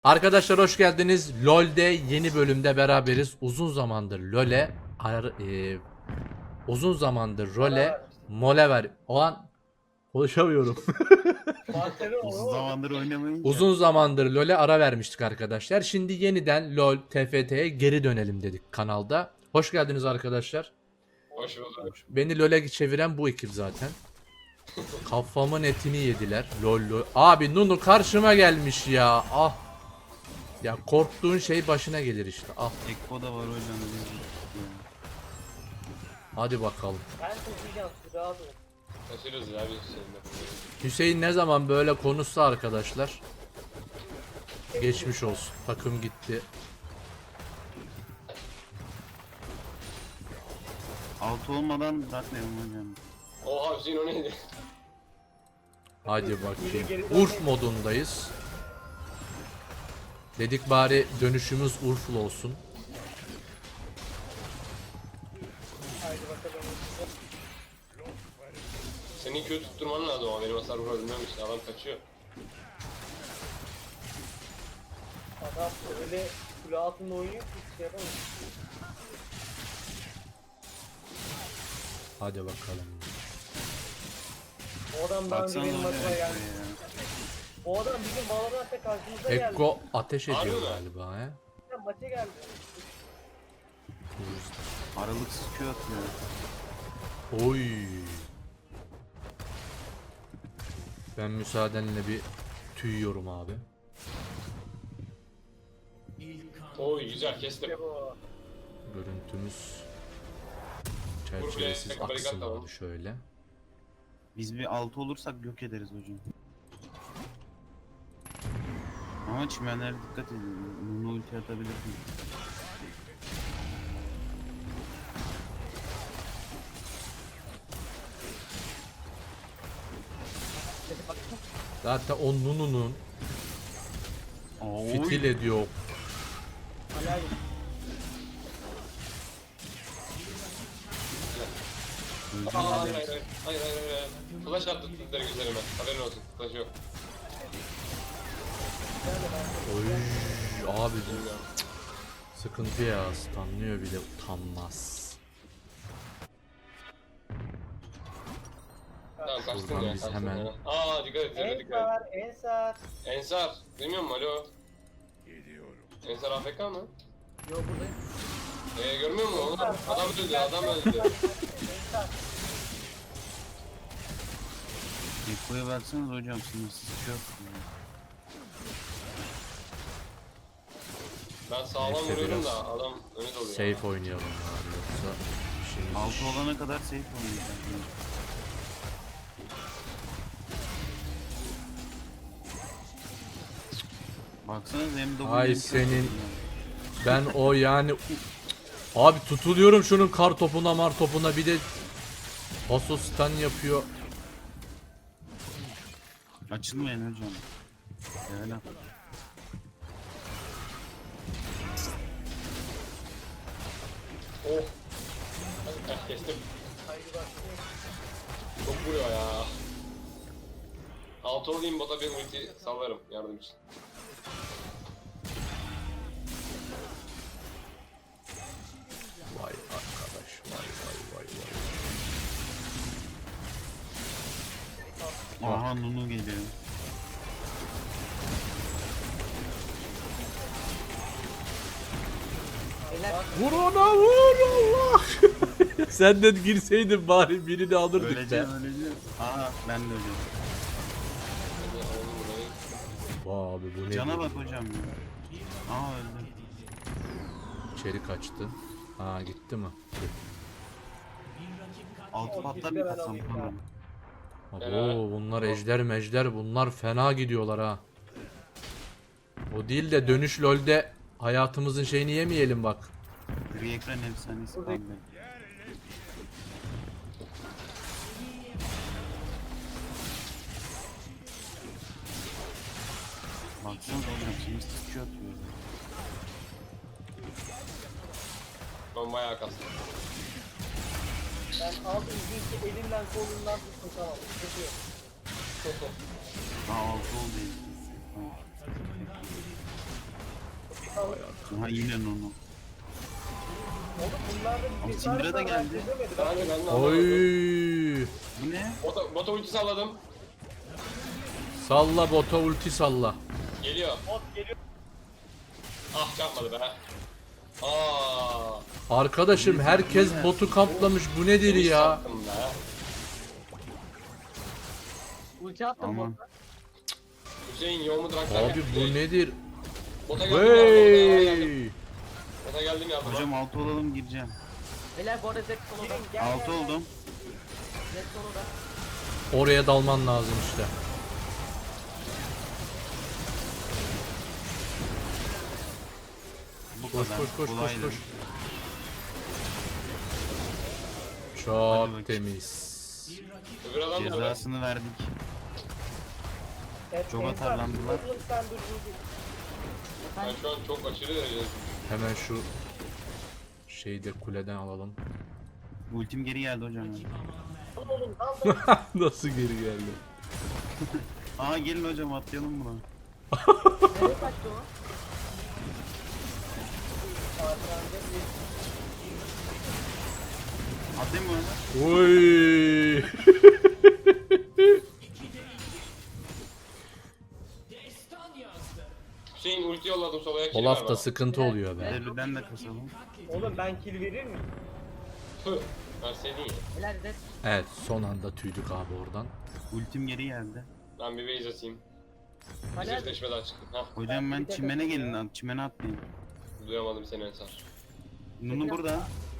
Arkadaşlar hoş geldiniz. LoL'de yeni bölümde beraberiz. Uzun zamandır role mole ver. O an konuşamıyorum. Uzun zamandır oynamayınca. Uzun zamandır LoL'e ara vermiştik arkadaşlar. Şimdi yeniden LoL TFT'ye geri dönelim dedik kanalda. Hoş geldiniz arkadaşlar. Hoş bulduk. Beni LoL'e çeviren bu ekip zaten. Kafamın etini yediler. LoL. Abi Nunu karşıma gelmiş ya. Ah. Ya korktuğun şey başına gelir işte. Ah. Ekko da var hocam. Hadi bakalım. Ben tutacağım rahat ol. Taşırız ya biz seninle. Hüseyin ne zaman böyle konuşsa arkadaşlar geçmiş olsun. Takım gitti. Altı olmadan zaten hocam. Oha Hüseyin o neydi? Hadi bakayım. Urf modundayız. Dedik bari dönüşümüz Urf'lu olsun. Haydi bakalım. Senin Q tutturman lazım ama benim hasar vurabilmem işte adam kaçıyor. Adam öyle kule altında oynuyor ki hiç şey yapamıyor. Hadi bakalım. O adam daha önce Baksana benim hocam maçıma Ekko'ya geldi. ya. O adam bizim Valorant'ta karşımıza geldi. Ekko ateş ediyor Harbi mi? galiba he. Maça geldi. Aralıksız Q atıyor. Oy. Ben müsaadenle bir tüyüyorum abi. Oy güzel kestim. İşte bu. Görüntümüz çerçevesiz Buraya barikat aksın tamam. abi şöyle. Biz bir altı olursak yok ederiz hocam. Ama çimenlere dikkat edin. Nunu ulti atabilir mi? Zaten o Nunu'nun Oy. fitil ediyor. Hala Aa, hayır hayır hayır. Hayır hayır hayır. Flash attı tutları güzelime. Haberin olsun. Flash yok. Oy abi sıkıntı ya, stunlıyor bile utanmaz. Tamam kaçtın Buradan ya. biz kaçtın hemen- ya. Aa dikkat et. Zerre dikkat et. Ensar. Ensar. Duymuyor musun? Alo. Ensar AFK mı? Yo buradayım. Görmüyor musun oğlum? Adam öldü adam öldü. Ensar. Ekko'ya baksanız hocam sınırsız Q atıyor. Ben sağlam Neyse, vuruyorum biraz da adam öne doluyor. Safe oynayalım abi, yoksa işimiz Altı iş. olana kadar safe oynayacağız. Baksanız hem de Ay senin- Ben o yani abi tutuluyorum şunun kar topuna mar topuna, bir de paso stun yapıyor. Açılmayın hocam. Yani. Oh. Kestim. Çok vuruyor ya. Altı olayım bota bir ulti sallarım yardım için. Vay arkadaş, vay vay vay vay. Aha Nunu geliyor. Vur ona, vur Allah. Sen de girseydin bari birini alırdık be. Öleceğim öleceğim. Aha ben de öleceğim. Hadi alalım burayı. Vay abi bu ne? Cana böyle? bak hocam ya. Aa öldü. İçeri kaçtı. Ha gitti mi? Altı patlar bir kasam falan. Abo bunlar ejder mejder, bunlar fena gidiyorlar ha. O değil de dönüş LoL'de hayatımızın şeyini yemeyelim bak. Bir ekran efsanesi Buradaki- kaldı. Baksanıza hocam şimdi sıçıyor atıyor. Ben bayağı kastım. Ben aldım bir elimden kolumdan tuttum tamam. Sıkıntı yok. Aa altı oldu. Tamam. Aha yine Nunu. Oğlum bunlarda Ama bir Syndra da geldi. Ben de Oy. anlamadım. Bu ne? Bota ulti salladım. Salla bota ulti salla. Geliyor. Bot geliyor. Ah çarpmadı be. Aa. Arkadaşım herkes botu kaplamış. Bu nedir ya? Çarptım be. Ulti attım Aman. bota. Hüseyin yoğumu draklar Abi bu nedir? Bota geldim yardıma. Hey! Bota geldim yardıma. Hocam 6 olalım gireceğim. Beyler bu arada Zed soloda. 6 oldum. Zed soloda. Oraya dalman lazım işte. Bu Koş kadar. koş koş koş Kolaydı. koş. Hadi Çok bakayım. temiz. Öbür adam nerede? Cezasını verdik. Çok Ensar, atarlandılar. oğlum sen dur. Ben şu an çok aşırı derecede. Hemen şu şeyi de kuleden alalım. Ultim geri geldi hocam. Oğlum dal. Nasıl geri geldi? Aa gelin hocam atlayalım buna. Nereye kaçtı o? Atlayayım mı ona? Oy! Hüseyin ulti yolladım solaya kill ver Olaf'ta bana. sıkıntı oluyor be. Devliden de kasalım. Oğlum ben kill verir miyim? Tüh. Verseydin ya. Beyler Zed. Evet son anda tüydük abi oradan. Ultim geri geldi. Ben bir base atayım. Beyler Zed. Yüzleşmeden çıktım. Hah. Hocam ben çimene gelin lan. Çimene atlayın. Duyamadım seni Ensar. Nunu burada.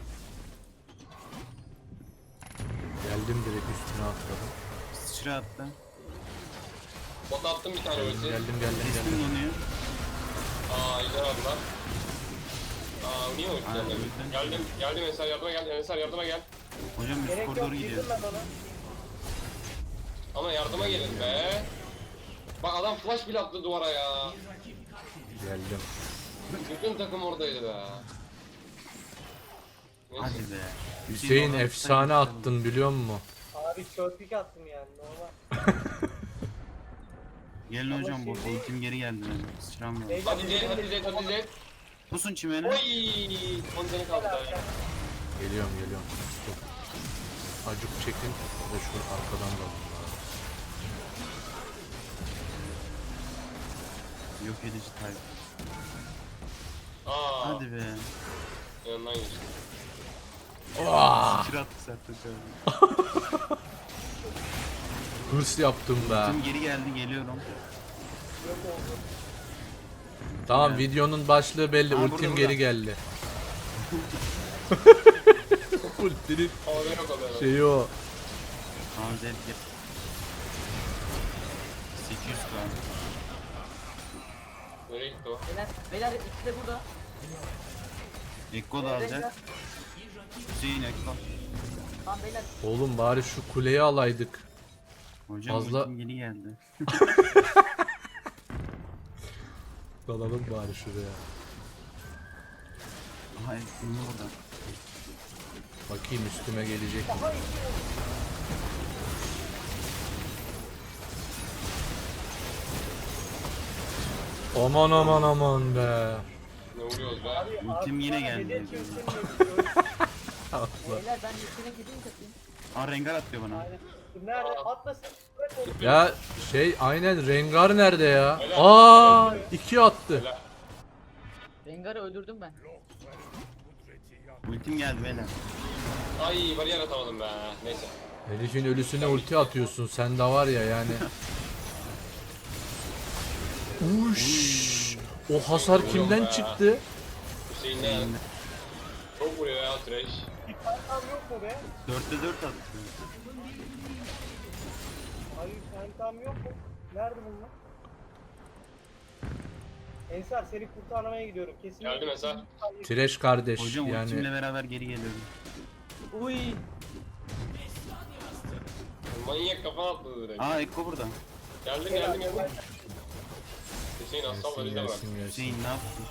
Geldim direkt üstüne atladım. Sıçra attı. Bota attım bir tane ulti. Geldim Kestim Nunu'yu. Aa ejder aldılar. Aa niye ulti Aa, geldi? ulti. Geldim Ensar yardıma gel. Ensar yardıma gel. Hocam üst Gerek yok koridoru girdim gidiyoruz. ben ona. Ama yardıma gelin be. Bak adam flash bile attı duvara ya. Geldim. Bütün takım oradaydı be. Neyse. Hadi be. Hüseyin oradan efsane tutsaydı. attın biliyor musun? Abi çöplük attım yani normal. Gelin Ama hocam bu şimdi- ultim geri geldi benim. Sıçram yok. Beyler, Hadi Zed, hadi Zed, hadi Zed. Pusun çimene. Oy! 10 canı kaldı daha. Geliyorum. Dur. Acık çekin ve şu arkadan da alalım. Yok edici type. Aa, Hadi be. yanından geçti. Ah! Sıçra attık zaten şöyle. Hırs yaptım be. Ultim geri geldi geliyorum. Tamam Evet. videonun başlığı belli. Aa, Ultim burada. geri geldi. Ultinin Havada yok oluyor. şeyi o. Tamam Zed gel. 800 kan. Nereye gitti o? Beyler ikisi de burada. Ekko da alacak. Hüseyin Ekko. Tamam beyler. Oğlum bari şu kuleyi alaydık. Hocam Fazla- ultim geri geldi. Dalalım bari şuraya. Aha Ekko'nun burada. Bakayım üstüme gelecek mi? Aman be. Ne vuruyoruz be? Ultim yine Abi, geldi. hedef göstermiyor. Beyler ben üstüne gideyim katayım. Aa Rengar atıyor bana. Aynen. Nerede? Atlasın. Bırak onu. Ya şey aynen Rengar nerede ya? Aa 2 attı. Rengar'ı öldürdüm ben. Ultim geldi beyler. Ay bariyer atamadım be. Neyse. Herifin ölüsüne ulti atıyorsun sen de var ya yani. Uş. O hasar kimden çıktı? Hüseyin ne? Çok vuruyor ya Trash. Bir kankam yok mu be? 4'te 4 attı. Hayır kankam yok mu? Nerede bunlar? Ensar seni kurtarmaya gidiyorum. Kesin. Geldim Ensar. Trash kardeş Hocam ultimle yani. beraber geri geliyorum. Uy. Manyak kafa atladı direkt. Aa Ekko burada. Geldim. Hüseyin aslan var izle bak. Gelsin. Hüseyin ne yaptın?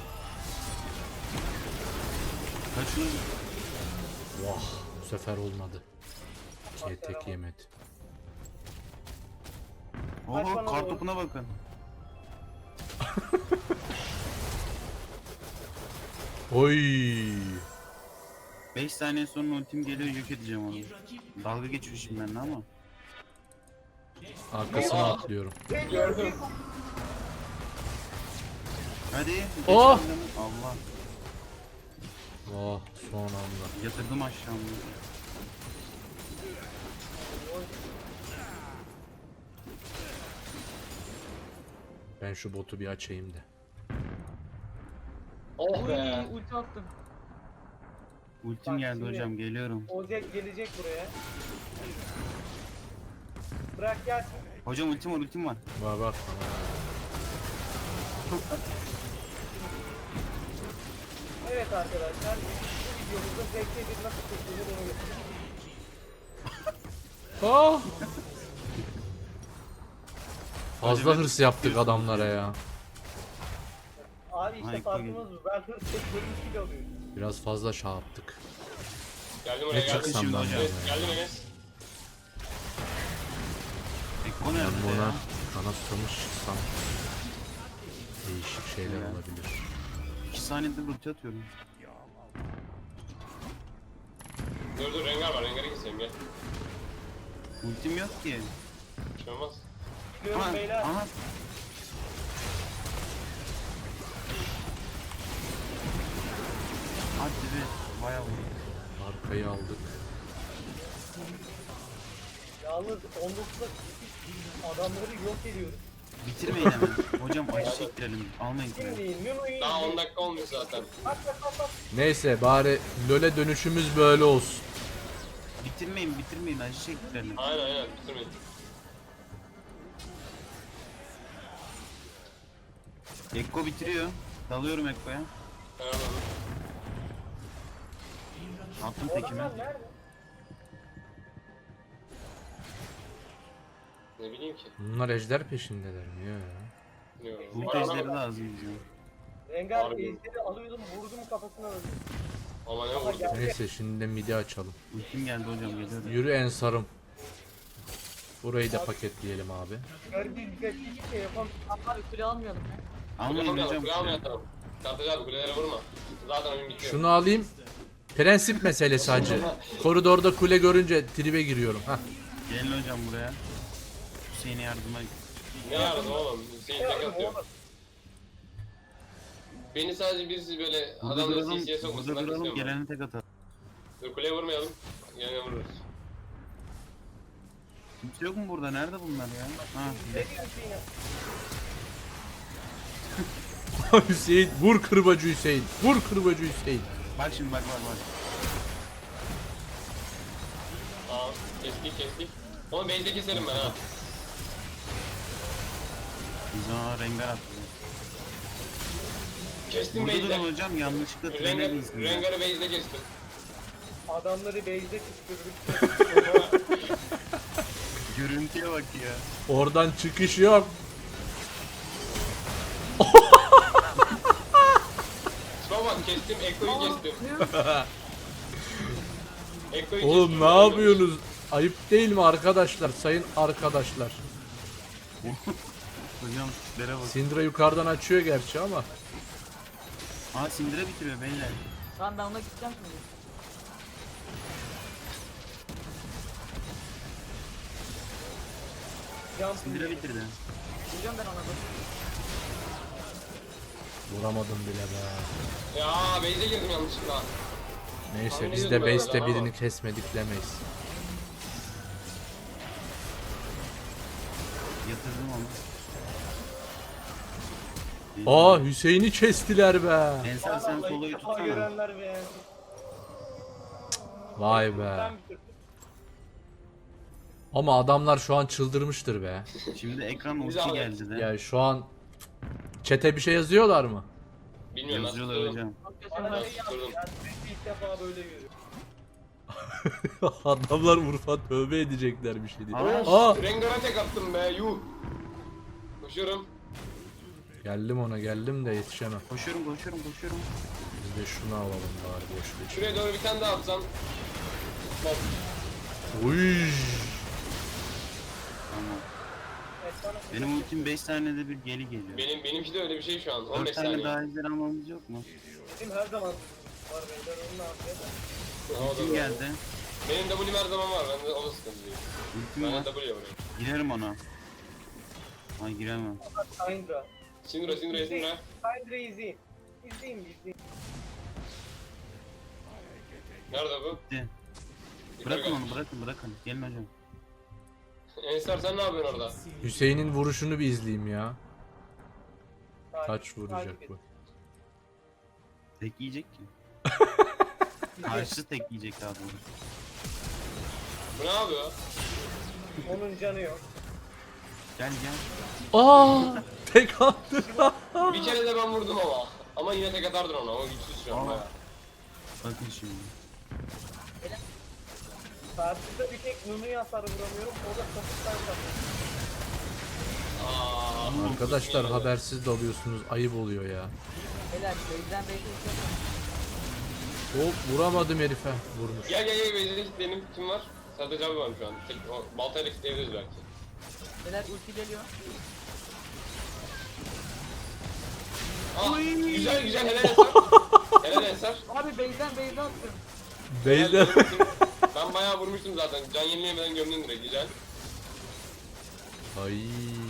Kaçın. Vah bu sefer olmadı. İkiye tek yemedi. Oho kar topuna bakın. Oy. 5 saniye sonra ultim geliyor, yok edeceğim onu. Dalga geçiyor şimdi benimle ama. Arkasına atlıyorum. Gördüm. Hadi. geç Oh! önüme. Allah. Oh, son anda. Yatırdım aşağıma. Ben şu botu bir açayım da. Oh be. Uy ulti attım. Ultim Bak geldi şimdi- hocam, geliyorum. Ozek gelecek buraya. Bırak gelsin. Hocam ultim var, ultim var. Bak bak. Evet arkadaşlar. Bu videomuzda ZK1 nasıl kurtulur onu göstereceğim. Ah! Fazla hırs yaptık adamlara ya. Abi işte Ay, farkımız bu. Ben hırs tek bölüm kill alıyorum. Biraz fazla şey yaptık. Geldim Ne oraya geldim. çıksam şimdi ben hocam. ya. Evet, geldim Enes. Ekko Ben nerede buna ya? kanat tutamış çıksam değişik şeyler Ya. olabilir. 2 saniyede ulti atıyorum. Dur Rengar var. Rengar'ı keseyim gel. Ultim yok ki. Bir şey olmaz. Biliyorum Aha, beyler. aha. Hadi be, bayağı vurdu. Arkayı aldık. Yalnız 19'da adamları yok ediyoruz. Bitirmeyin hemen. Hocam acı çektirelim. Almayın. Şimdi Nunu'yu Daha 10 dakika olmuş zaten. Bak bak bak bak. Neyse bari LoL'e dönüşümüz böyle olsun. Bitirmeyin, bitirmeyin. Acı çektirelim. Aynen bitirmeyin. Ekko bitiriyor. Dalıyorum Ekko'ya. Helal olsun. Attım O tekime. adamlar nerede? Ne bileyim ki. Bunlar ejder peşindeler mi ya? Bilmiyorum. Bu Var tezleri ama- lazım bize. Rengar Harbi. ejderi alıyordum vurdum kafasına öldü. Ama ne Ama vurdu? geldi. Neyse şimdi de midi açalım. Ultim geldi hocam, geliyorum. Yürü Ensar'ım. Burayı da paketleyelim abi. Garibim hiçbir şey yapamıyor. Abi kule almayalım ya. Almayın hocam. Kule almayalım. Kartacı abi kulelere vurma. Zaten oyun bitiyor. Şunu alayım. Prensip meselesi hacı. Koridorda kule görünce tribe giriyorum. Hah. Gelin hocam buraya. Hüseyin'e yardıma. Ne aradım oğlum? Hüseyin tek atıyor. Beni sadece birisi böyle Burada adamları duralım, CC'ye sokmasın. burada Ben duralım, istiyorum. gelene tek atalım. Dur kuleye vurmayalım. Yine vururuz. Kimse yok mu burada? Nerede bunlar ya? Ha, Ne diyorsun ya? Hüseyin vur kırbacı Hüseyin. Vur kırbacı Hüseyin. bak şimdi, bak bak bak. Aa kestik. Onu base'de keserim ben ha. Biz ona rengar attık. Kestim Burada durun base'de. hocam, yanlışlıkla trene değilsin. Rengar'ı base'de kestim. Adamları base'de kışkırdık. Görüntüye bak ya. Oradan çıkış yok. Şuna bak kestim. Ekko'yu kestim. Ekko'yu Oğlum kestim. ne yapıyorsunuz? Ayıp değil mi arkadaşlar? Sayın arkadaşlar. Hocam tiplere bak. Syndra yukarıdan açıyor gerçi ama. Aa, Sindire bitiriyor beyler. Tamam ben ona gideceğim şimdi. Sindire bitirdi. Gideceğim ben ona da. Vuramadım bile be. Ya base'e girdim yanlışlıkla. Neyse biz de base'te birini kesmedik demeyiz. Yatırdım onu. Aa Hüseyin'i kestiler be. Ensar sen Vallahi soloyu ilk defa tutsana. görenler be. Vay be. Ben bitirdim. Ama adamlar şu an çıldırmıştır be. Şimdi ekran Güzel ulti oldu. geldi de. Ya şu an chat'e bir şey yazıyorlar mı? Bilmiyorum ben Yazıyorlar tuttum. hocam. Çok kötü Bana oynadım. ne yaptı? Durdum. Yani ben ilk defa böyle görüyorum. Adamlar Urfa tövbe edecekler bir şey değil. Aa. Aa! Rengar'a tek attım be yuh. Koşuyorum. Geldim de yetişemem. Koşuyorum. Biz de şunu alalım bari boş geç. Şuraya doğru bir tane daha atsam. Bak. Uy! Tamam. Evet Benim ultim 5 saniyede bir geri geliyor. Benimki de öyle bir şey şu an. 4 15 tane saniye. daha ejder almamız yok mu? Bizim her zaman var beyler, onu ne yapacağız? O da Ultim doğru. geldi. Benim W'm her zaman var. Bende o da sıkıntı değil. Ultim Ben var. de W vuruyorum. Girerim ona. Ay giremem. Syndra. Syndra. Syndra izleyin. İzleyin. Nerede bu? Gitti. Bırakın onu bırakın. Gelin hocam. Ensar sen ne yapıyorsun orada? Hüseyin'in vuruşunu bir izleyeyim ya. Kaç Takip vuracak et. bu? Tek yiyecek ki. Karşı tek yiyecek daha doğrusu. Bu ne yapıyor? Onun canı yok. Gel. Aa! Tek attı. Bir kere de ben vurdum ama. Ama yine tek atardın ona. O güçsüz şu an Aa. bayağı. Bakın şimdi. Karşıda bir tek Nunu'ya hasar vuramıyorum. O da sapıktan kapıyor. Aa. Arkadaşlar habersiz dalıyorsunuz. Ayıp oluyor ya. Beyler base'den base'e gidiyorum. Hop vuramadım herife. Vurmuş. Gel. Beyzde benim kim var? Sadece abi var şu an. O baltayla kitleyebiliriz belki. Beyler ulti geliyor. Güzel helal Ensar. Helal Ensar. Abi base'den base'e attım. Beyler. Ben bayağı vurmuştum zaten. Can yenileyemeden gömdün direkt. Güzel. Ay.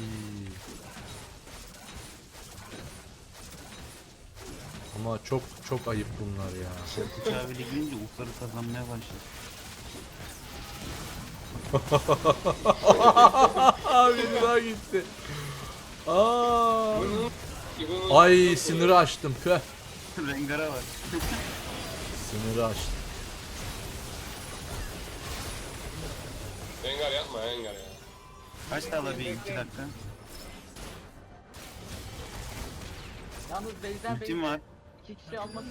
Ama çok ayıp bunlar ya. Korkunç abiyle girince ufları kazanmaya başladı. Abi daha gitti. Aa. bunun Ay sınırı aştım. Püh. Rengar'a var. Sınırı aştım. Rengar yapma Rengar ya. Kaç daha alabilir 2 dakika? Yalnız base'den Ultim base'e var. 2 kişi almak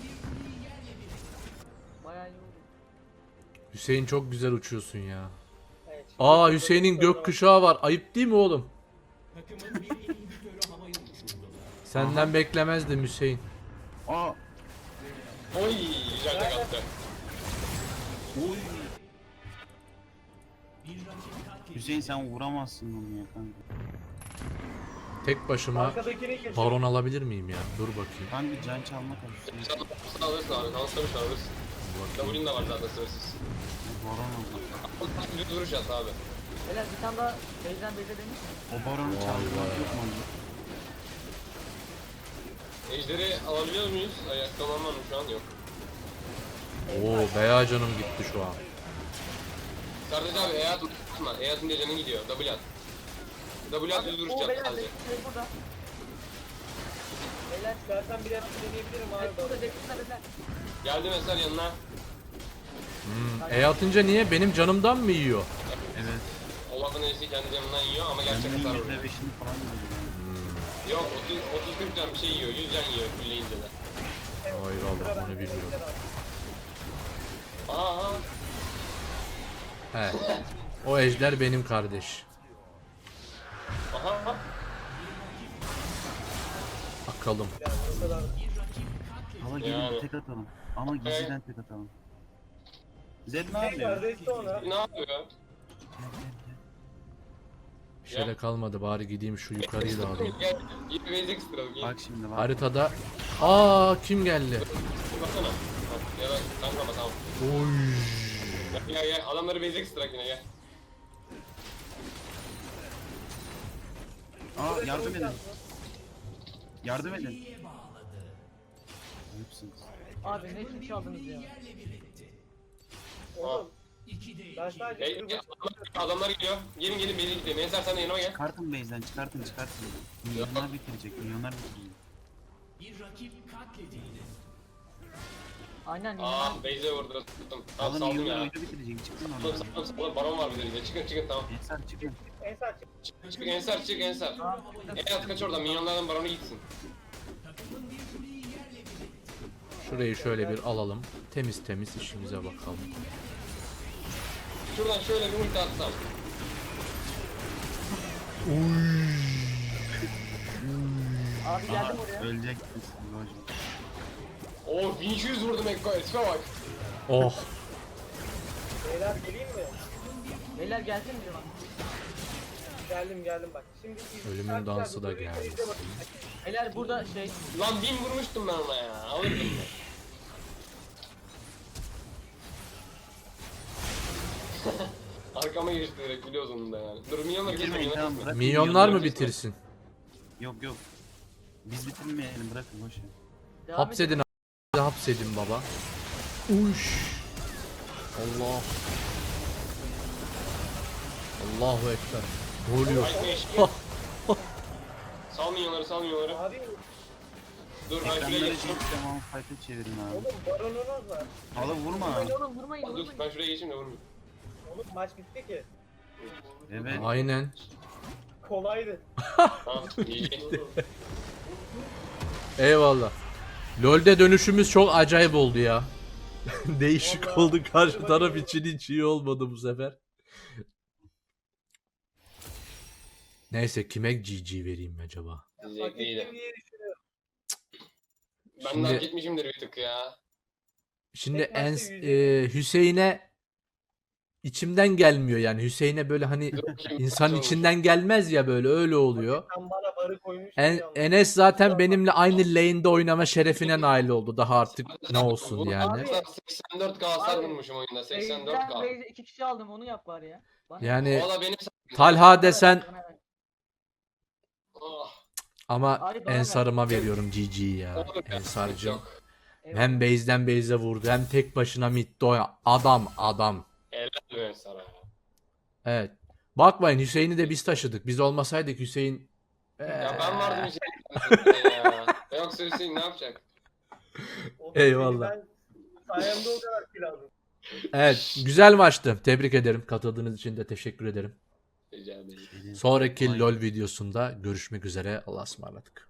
bayağı iyi oldu. Hüseyin çok güzel uçuyorsun ya. Evet. Aa Hüseyin'in gökkuşağı var. Ayıp değil mi oğlum? Senden beklemezdim Hüseyin. Aa. Oy güzel tek attı. Hüseyin sen vuramazsın bunu ya kanka. Tek başıma Arkadakini geçiyor. baron alabilir miyim ya? Dur bakayım. Kanka can çalmak alışıyor. Sen alırsın abi. Kanslamış alırsın. W'nin de var zaten sınırsız. Baron oldu. Düz vuruş at abi. Beyler bir tane daha base'den base'e demiş. O baronu çalmak yok mu? Ejderi alabiliyor muyuz? Ayakta olan var mı şu an? Yok. Oo beya canım gitti şu an. Sadece abi E atma. E atınca canın gidiyor. W at. W at düz vuruş O yap beyler sadece. şey burada. Beyler İstersen bir hepsi deneyebilirim abi. burada Jackson'da beyler. Geldim Eser yanına. E atınca niye? Benim canımdan mı yiyor? Evet. Olaf'ın elisi kendi canından yiyor ama gerçek Kendinin hasar vuruyor. %5'ini falan yiyor. Yok 30-40 can bir şey yiyor. 100 can yiyor fulleyince de. Hayır Allah onu bilmiyorum. Aha. He. O ejder benim kardeş. Aha. Bakalım. Hala gelin Yani. tek atalım. Ama gizliden tek atalım. Zed ne Tekrar yapıyor? resti ona. Ne yapıyor? Bir şey de kalmadı bari gideyim şu yukarıyı da alayım. Gel. Git bir basic sıralım. Git. Bak şimdi bak. Haritada. Aa kim geldi? Baksana. Ya da kanka tamam. Oy. Gel. Adamları basic sırak yine gel. Aa yardım edin. Yardım edin. Ayıpsınız. Abi ne için çaldınız ya? Oğlum. Ben sadece Hey, adamlar geliyor. Gelin basic gidelim. Ensar sen de yanıma gel. Çıkartın base'den çıkartın. Milyonlar bitirecek. Aynen Aa yine base'e vurdu. Tuttum. Tamam Alın saldım milyonlar ya. oyunu bitirecek. Çıkın oradan. Saldım. Baron var bir de bize. Çıkın tamam. Ensar çıkın. Ensar çık. Çık Ensar. Evet kaç oradan. Minyonlardan baronu gitsin. Şurayı şöyle bir alalım. Temiz temiz işimize bakalım. Şuradan şöyle bir ulti atsam. abi geldim oraya. Öleceksiniz. Hocam. Oo 1200 vurdum Ekko'ya. Tipe bak. Geldim bak. Şimdi Ölümün arkadaşlar, dansı da bu videoyu geldi. izle bakın. Beyler burada şey. Lan 1000 vurmuştum ben ona ya. Alırdım ben. Arkama geçti direkt biliyoruz onu da yani. Dur milyonları Bitirmeyin tamam kesmeyin. bırakın. Milyonlar mı Milyonlar bitirsin? Yok. Biz bitirmeyelim bırakın boş ver. Devam Hapsedin a**, hapsedin baba. Uş. Allah. Allahu ekber. Ne oluyor? Sal milyonları. Abi Dur ben şuraya Ekranları geçeyim. çekip tamam fight'e çevirin abi. oğlum baronunuz var. Hala vurma. Vurmayın oğlum vurmayın Dur vurmayın. ben şuraya geçeyim de vurmayayım. Oğlum maç bitti ki. Evet. Aynen. Kolaydı. Tamam iyi. Eyvallah. LoL'de dönüşümüz çok acayip oldu ya. Değişik Vallahi. oldu. Karşı taraf için hiç iyi olmadı bu sefer. Neyse kime GG vereyim acaba? Diyecek Hak ettim değilim. diye düşünüyorum. Ben Şimdi- daha gitmişimdir bir tık ya. Şimdi Tek maçta Hüseyin'e içimden gelmiyor yani. Hüseyin'e böyle hani Dur bakayım, insanın olmuş. içinden gelmez ya böyle öyle oluyor. Sen bana barı koymuş. Enes zaten benimle aynı lane'de oynama şerefine nail oldu. Daha artık ne olsun yani. 84k hasar vurmuşum oyunda. 84k. Beyze 2 kişi aldım onu yap bari ya. Bana Yani O da benim Talha desen Bana ver. Oh, ama Abi bana Ensar'ıma veriyorum GG ya. olur ya, Ensar'cığım. yok. Eyvallah. Hem base'den base'e vurdu hem tek başına midde adam. Helal be sana. Evet. Bakmayın Hüseyin'i de biz taşıdık. Biz olmasaydık Hüseyin Ya ben vardım Hüseyin ya. Yoksa Hüseyin ne yapacak? Eyvallah. Ben sayemde o kadar kill aldım. Evet, güzel maçtı. Tebrik ederim. Katıldığınız için de teşekkür ederim. Rica ederim. Sonraki LoL videosunda görüşmek üzere. Allah'a ısmarladık.